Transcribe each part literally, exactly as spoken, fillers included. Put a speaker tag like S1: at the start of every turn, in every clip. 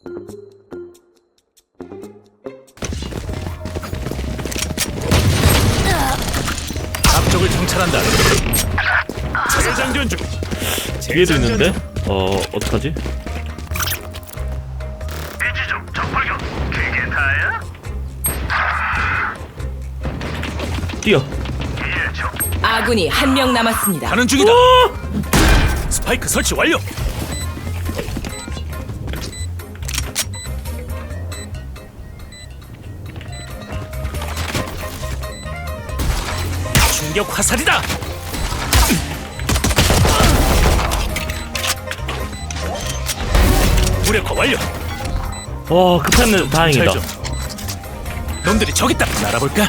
S1: 앞쪽을 정찰한다. 재장전 중.
S2: 뒤에도 있는데? 어... 어떡하지?
S1: 이지점 적발견. 그게 다야?
S2: 뛰어!
S1: 예, 적.
S3: 아군이 한 명 남았습니다.
S1: 가는 중이다. 스파이크 설치 완료. 충격 화살이다. 무력화 완료.
S2: 와 급했네. 다행이다.
S1: 잘 좀. 놈들이 저기 있다. 날아볼까?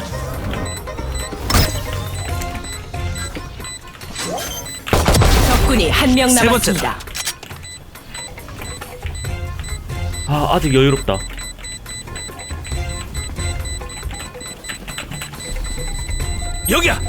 S3: 적군이 한 명
S1: 세
S3: 남았습니다.
S2: 아 아직 여유롭다.
S1: 여기야.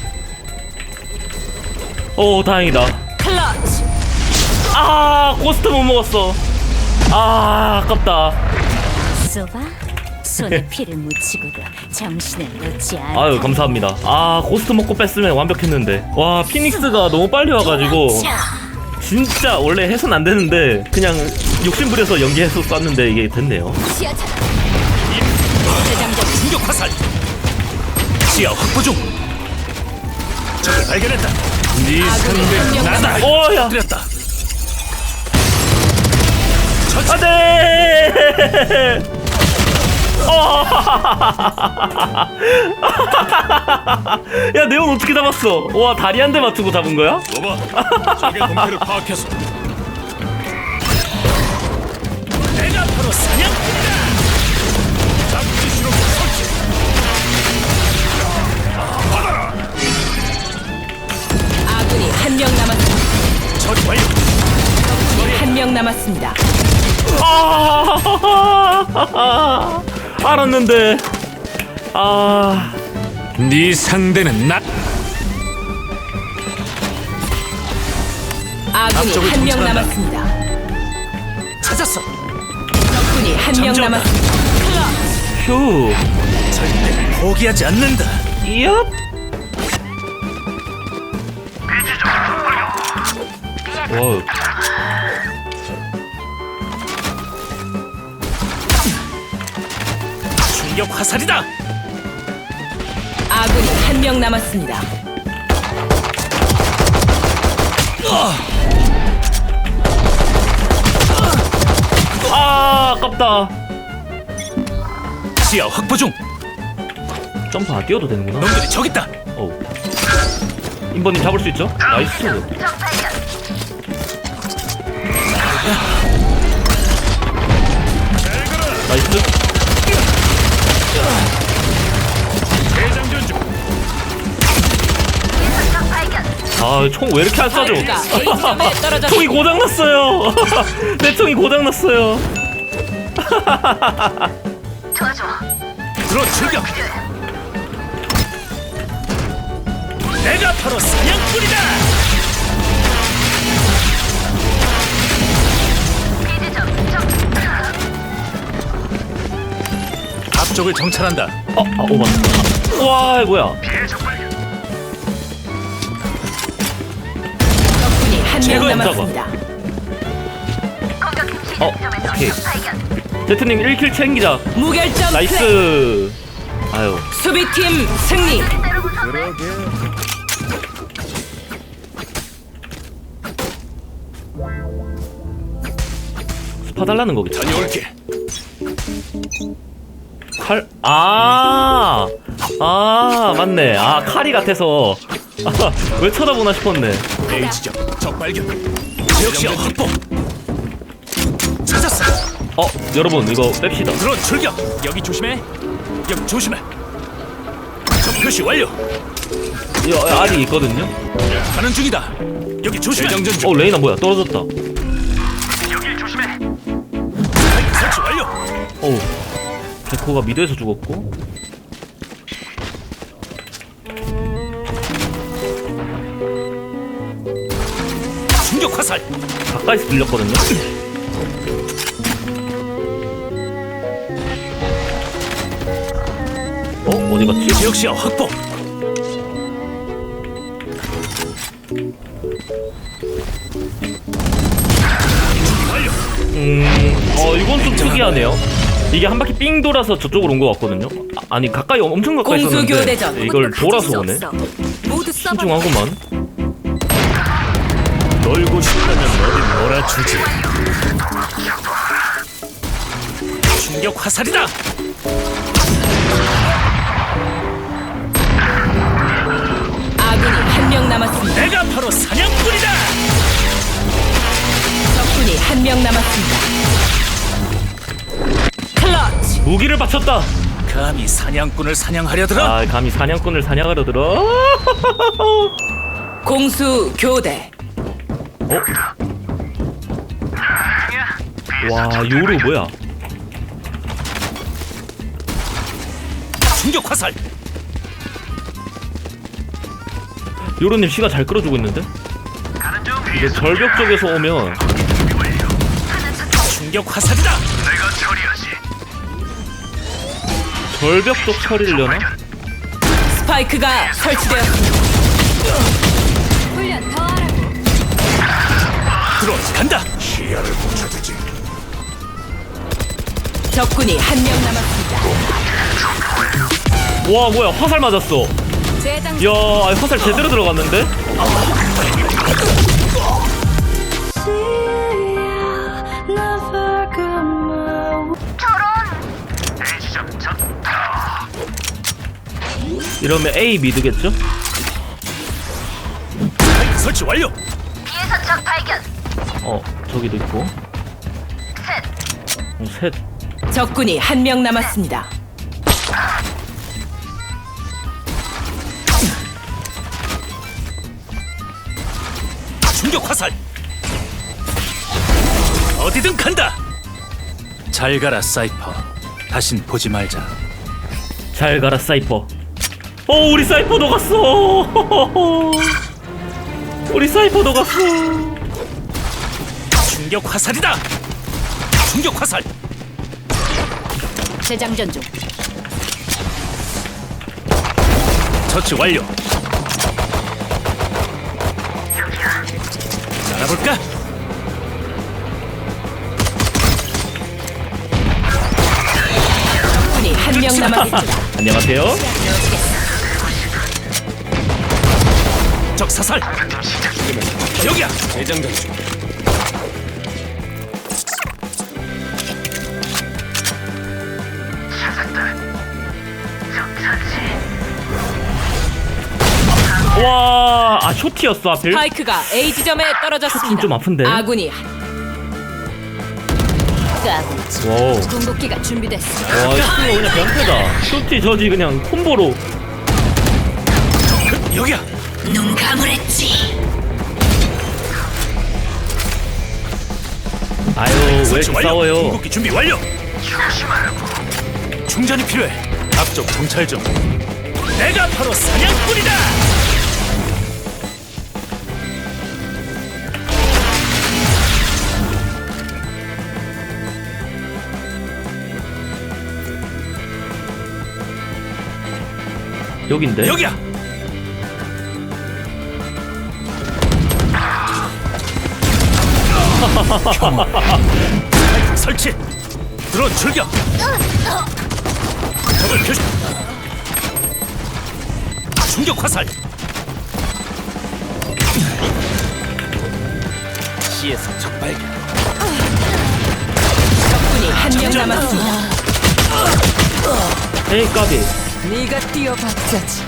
S2: 오 다행이다.
S3: 클러치.
S2: 아 고스트 못 먹었어. 아 아깝다.
S4: 쏘봐 손에 피를 묻히고도 정신을 놓지 않아.
S2: 아유 감사합니다. 아 고스트 먹고 뺐으면 완벽했는데. 와 피닉스가 너무 빨리 와가지고 진짜 원래 해선 안 되는데 그냥 욕심부려서 연기해서 쐈는데 이게 됐네요.
S3: 재장전.
S1: 충격 화살. 시야 확보 중. 적을 발견했다. 네 상대 나다.
S2: 오야.
S1: 들였다.
S2: 안돼. 어. 야 네온 어떻게 잡았어? 와 다리 한 대 맞추고 잡은 거야?
S1: 봐봐. 적의 동태를 파악해서. 내가 바로 사냥꾼이다. 잡기 싫어 설치. 받아라.
S3: 아군이 한 명 남았습니다.
S1: 처리 완료.
S3: 적군이 한 명 남았습니다.
S2: 아 알았는데. 아.
S1: 네 상대는 나.
S3: 아군이
S1: 앞쪽을
S3: 한 명
S1: 정찰한다.
S3: 남았습니다.
S1: 찾았어.
S3: 적군이 한 명
S1: 잠재웠다.
S3: 남았습니다.
S2: 휴.
S1: 절대 포기하지 않는다.
S2: 이업. 와.
S1: 충격 화살이다.
S3: 아군이 한 명 남았습니다.
S2: 아 아깝다.
S1: 시야 확보 중.
S2: 점프 안 뛰어도 되는구나.
S1: 놈들이 저기 있다.
S2: 어우. 인버님 잡을 수 있죠? 나이스. 나이스.
S1: 대장전 중.
S2: 아 총 왜 이렇게 안 쏴줘?
S3: 스파이크가 A점에 떨어졌습니다.
S2: 총이 고장 났어요. 내 총이 고장 났어요.
S1: 들어 출격. 내가 바로 사냥꾼이다. 앞쪽을 정찰한다.
S2: 어, 아, 오 맞다. 와, 뭐야?
S3: 적군이 한 명
S1: 제거했다.
S3: 남았습니다.
S2: 어, 오케이. 제트님 일 킬 챙기자.
S3: 무결점 플레이.
S2: 나이스. 아유,
S3: 수비팀 승리.
S2: 스파 달라는 거겠지.
S1: 다녀올게.
S2: 칼, 아, 아, 맞네. 아, 칼이 같아서. 아, 왜 쳐다보나 싶었네.
S1: A 지점 적 발견. 지역 시야 확보. 찾았어.
S2: 어, 여러분, 이거 뺍시다.
S1: 들어 출격. 여기 조심해. 여기 조심해. 적 표시 완료.
S2: 이거 아직 있거든요.
S1: 가는 중이다. 여기 조심해. 대장전 중.
S2: 어, 레이나 뭐야? 떨어졌다.
S1: 여기 조심해. 스파이크 설치 완료.
S2: 어우, 백호가 미드에서 죽었고.
S1: 충격 화살.
S2: 가까이서 들렸거든요. 어디 갔지?
S1: 지역시야 확보.
S2: 음, 어 이건 좀 특이하네요. 이게 한 바퀴 삥 돌아서 저쪽으로 온 것 같거든요. 아, 아니 가까이 엄청 가까이
S3: 공수
S2: 있었는데
S3: 교대전.
S2: 이걸 돌아서 오네.
S4: 모두 써봐.
S2: 신중하구만.
S1: 놀고 싶다면 어디 놀아주지. 충격 화살이다.
S3: 아군이 한 명 남았습니다.
S1: 내가 바로 사냥꾼이다.
S3: 적군이 한 명 남았습니다. 클러치.
S2: 무기를 바쳤다.
S1: 감히 사냥꾼을 사냥하려들어.
S2: 아 감히 사냥꾼을 사냥하려 들어.
S3: 공수 교대.
S2: 어? 와 요루 뭐야?
S1: 충격 화살.
S2: 요루님 시가 잘 끌어주고 있는데? 이게 절벽 쪽에서 오면
S1: 충격 화살이다.
S2: 절벽 쪽 처리려나?
S3: 스파이크가 설치되었습니다.
S4: 훈련 더 하라고.
S1: 들어간다.
S3: 적군이 한 명 남았습니다.
S2: 와 뭐야 화살 맞았어.
S4: 재장.
S2: 이야 아니, 화살 제대로 들어갔는데? 이러면 A 미드겠죠?
S1: 설치 완료.
S5: 비에서 적 발견.
S2: 어 저기도 있고
S5: 셋.
S2: 어, 셋.
S3: 적군이 한 명 남았습니다.
S1: 충격 화살. 어디든 간다. 잘 가라 사이퍼. 다신 보지 말자.
S2: 잘 가라 사이퍼. 어 우리 사이퍼 녹았어. 우리 사이퍼 녹았어.
S1: 충격 화살이다. 충격 화살.
S4: 재장전 중.
S1: 처치 완료. 알아볼까?
S3: 적군이 한 명 남았습니다.
S2: 안녕하세요.
S1: 적 사살. 여기야. 재장전 중.
S2: 와, 아 쇼티였어 하필.
S3: 스파이크가 A 지점에 떨어졌습니다.
S2: 좀 아픈데?
S3: 아군이 한-
S4: 까불지.
S2: 와우.
S4: 궁극기가 준비됐어.
S2: 와, 이거 그냥 변태다. 쇼티 저지 그냥 콤보로.
S1: 여기야.
S4: 눈 감으랬지.
S2: 아유, 왜
S1: 설치
S2: 이렇게 싸워요?
S1: 궁극기 준비 완료. 충전이 필요해. 앞쪽 정찰 좀. 내가 바로 사냥꾼이다.
S2: 여긴데?
S1: 여기야. 설치. 드론 출격. 적을 표시. 충격 화살. 시에서 적 발견.
S3: 적군이 한 명 남았습니다.
S2: 에이 까비.
S3: 네가 뛰어봤자지.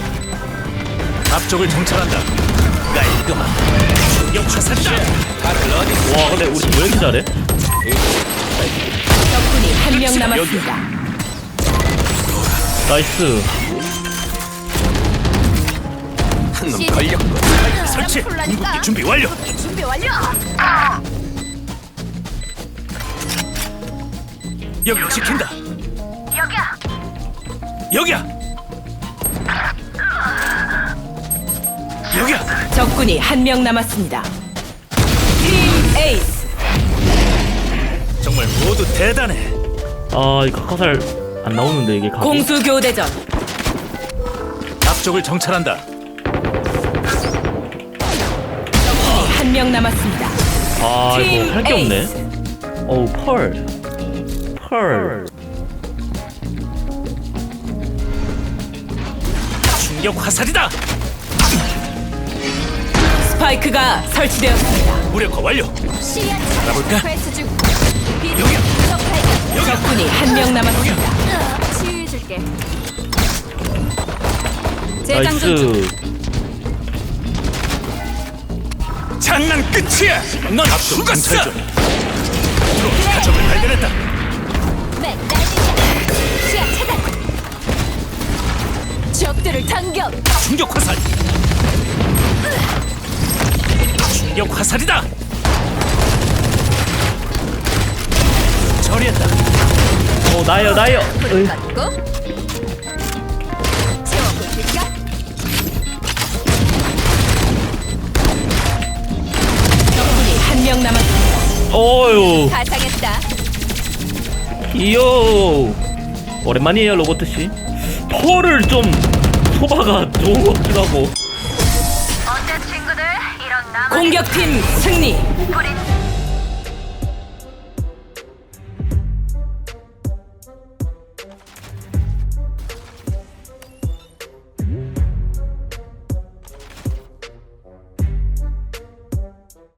S1: 앞쪽을 정찰한다. 깔끔한 충격 화살이다.
S2: 와 근데 우리 왜 이렇게 잘해?
S3: 적군이 한 명 남았습니다.
S2: 나이스.
S1: 한놈 걸렸고. 설치. 궁극기 준비 완료.
S5: 준비 완료.
S1: 여기 지킨다.
S5: 여기야.
S1: 여기야. 여기야.
S3: 적군이 한 명 남았습니다. 팀 에이스.
S1: 정말 모두 대단해.
S2: 아 이거 화살 안 나오는데 이게 각이.
S3: 공수 교대전.
S1: 이쪽을 정찰한다.
S3: 한 명 남았습니다.
S2: 아 이거
S3: 팀
S2: 할 게 없네.
S3: 에이스.
S2: 어우 펄. 펄.
S1: 충격 화살이다.
S3: 스파이크가 설치되었습니다.
S1: 무력화 완료.
S4: 시야
S1: 알아볼까?
S4: 회수 중.
S1: 여기야.
S4: 적 발견.
S3: 적군이 한 명 남았습니다.
S4: 치유해줄게. 재장전 중.
S2: 나이스.
S1: 장난 끝이야. 넌 죽었어. 드론 가점을 발견했다.
S4: 네, 날리자. 시야 차단. 적들을 당겨.
S1: 충격 화살. 충격 화살이다. 처리했다.
S2: 어 나요 나요.
S4: 불을
S2: 으이.
S4: 받고. 채워볼까?
S3: 적군이 한 명 남았습니다.
S2: 어유.
S4: 가상했다.
S2: 이요. 오랜만이에요 로버트 씨. 펄을 좀 소바가 좋은 것 같기도 하고.
S5: 어때 친구들? 이런 나무
S3: 공격팀 승리.
S5: 뿌린